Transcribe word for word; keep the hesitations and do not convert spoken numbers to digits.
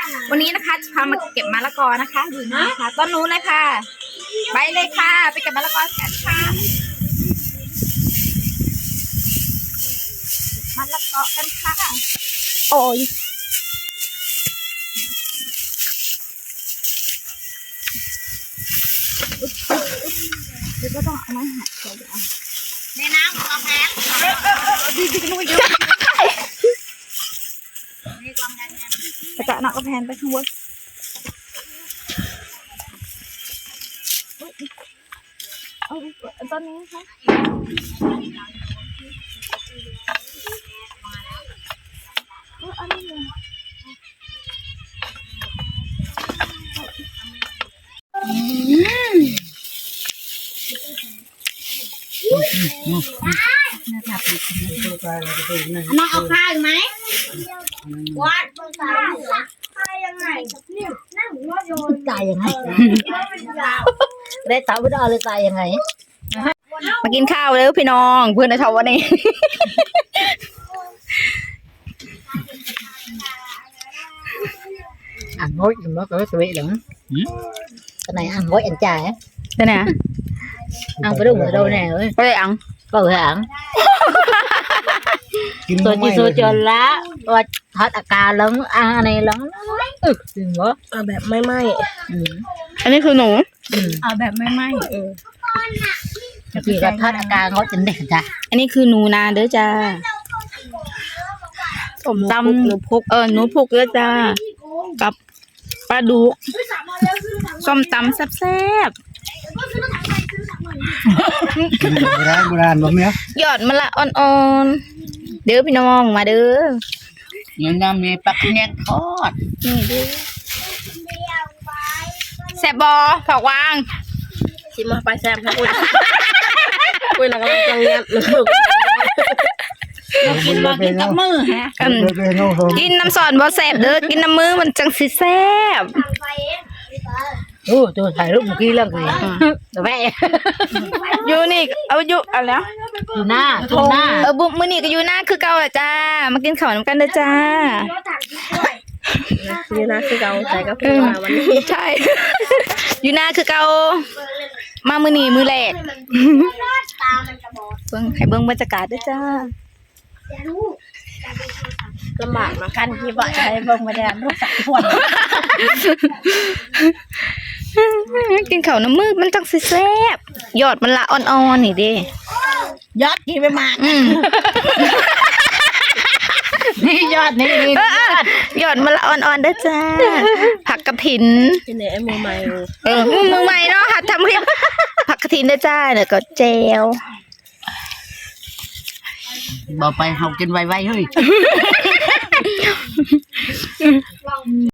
วันนี้นะคะจะพามาเก็บมะละกอนะคะดูนะคะต้นนู้นเลยค่ะไปเลยค่ะไปเก็บมะละกอกันค่ะมะละกอกันค่ะโอ้ยเดี๋ยวก็ต้องเอาไม้หักเดี๋ยวเอาในน้ำกระแพงดีดีกันด้วยเยอะกระจาหนักกระแพงไปข้างบนเอาตอนนี้ค่ะอันนี้เลยน้องเอาข้าวไหมวัดตายยังไงนั่งว่าโยนตายยังไงได้ตาไม่ได้เลยตายยังไงมากินข้าวเลยพี่น้องเพื่อนในชาววันนี้ ăn ngói nó có cái vị lắm cái này ăn ngói ăn chài á đây nè ăn cái đúng ở đâu nè ơi có thể ăn có thể ăn tôi chỉ số cho lá và thật là cà lắm ăn này lắm ừ đừng có แบบไม่ไหม้อันนี้คือหนูเอาแบบไม่ไหม้ chỉ là thật là cà ngói chính đẹpจ้ะอันนี้คือหนูนาเด้อจ้าสมตำหนูพุกเออหนูพุกเด้อจ้ากับปลาดุกส้มตำแซ่บโบราณโบราณแบบนี้ๆยอดมะละอ่อนๆเด้อพี่น้องมาเด้อยังงามมีปักแยกทอดนี่เด้อแซ่บบอผักวางชิมมาไปแซ่บครับคุณคุณหลังกำลังยัดลูกกินมากินกับมือฮะอืมกินน้ำซอนบอแซ่บเด้อกินน้ำมือมันจังสิแซ่บโอ้ตัวถ่ายรูปเมื่อกี้แล้วไงแม่อยู่นี่เอาอยู่เอาแล้วอยู่หน้าตรงหน้าเออบุมื้อนี้ก็อยู่หน้าคือเก่าอ่ะจ้ามากินข้าวน้ำกันเด้อจ้านี่นะคือเราใส่กาแฟมาวันนี้ใช่ อยู่หน้าคือเก่ามามื้อนี้มื้อแรกเบิ่งให้เบิ่งบรรยากาศเด้อจ้าลำบากมาขั้นที่บ่ใช้เบิ่งมาแดนลูกสาวคนกินข้าวน้ำมือมันจังสิแซ่บยอดมันละอ่อนๆนี่เด้ยอดกินไปมากอืมนี่ยอดนี่นี่เออๆยอดมันละอ่อนๆเด้อจ้าผักกระถินกินในไอ้มือใหม่เออมือใหม่เนาะหัดทำคลิปผักกระถินเด้อจ้าแล้วก็แจวบอกไปhọc trên vay vay thôi